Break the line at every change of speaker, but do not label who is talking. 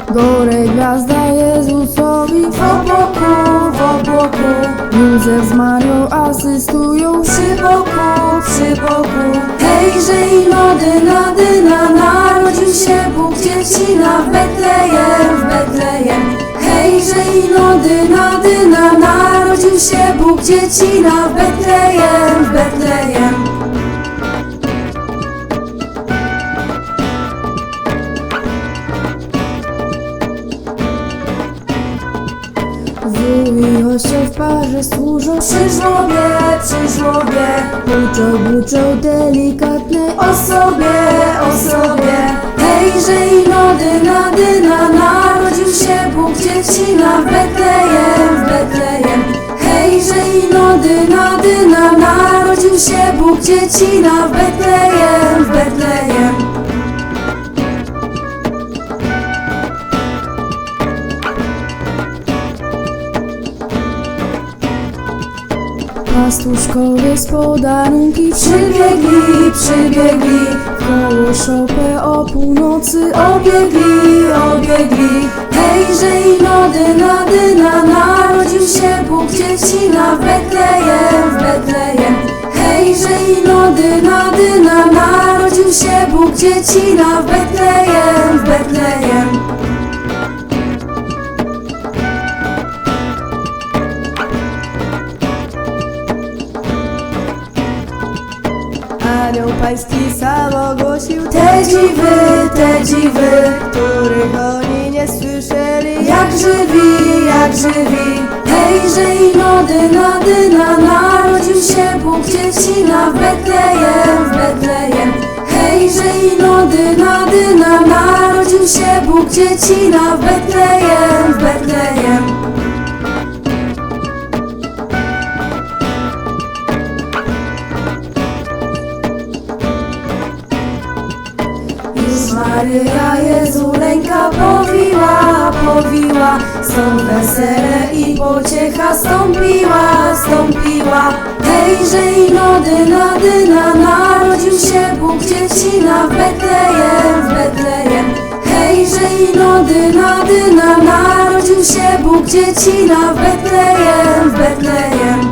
Gore gwiazda Jezusowi w obłoku. Józef z Marią asystują
Przy boku. Hejże ino dyna, narodził się Bóg dziecina w Betlejem. Hejże ino dyna, narodził się Bóg dziecina w Betlejem.
Wuj i osioł w parze służą
Przy żłobie,
buczą delikatnej
osobie. Hejże ino dyna, narodził się Bóg dziecina w Betlejem. Hejże ino dyna, narodził się Bóg dziecina w Betlejem.
Pastuszkowie z podarunki
Przybiegli,
koło szopę o północy
obiegli. Hejże ino dyna, narodził się Bóg dziecina w Betlejem. Hejże ino dyna, narodził się Bóg dziecina w Betlejem.
Anioł pański sam ogłosił
Te dziwy,
których oni nie słyszeli.
jak żywi. Hejże ino dyna, narodził się Bóg dziecina w Betlejem. Hejże ino dyna, narodził się Bóg dziecina w Betlejem. Już Maryja Jezuleńka powiła, stąd wesele i pociecha stąpiła. Hejże ino dyna, narodził się Bóg dziecina w Betlejem. Hejże ino dyna, narodził się Bóg dziecina w Betlejem.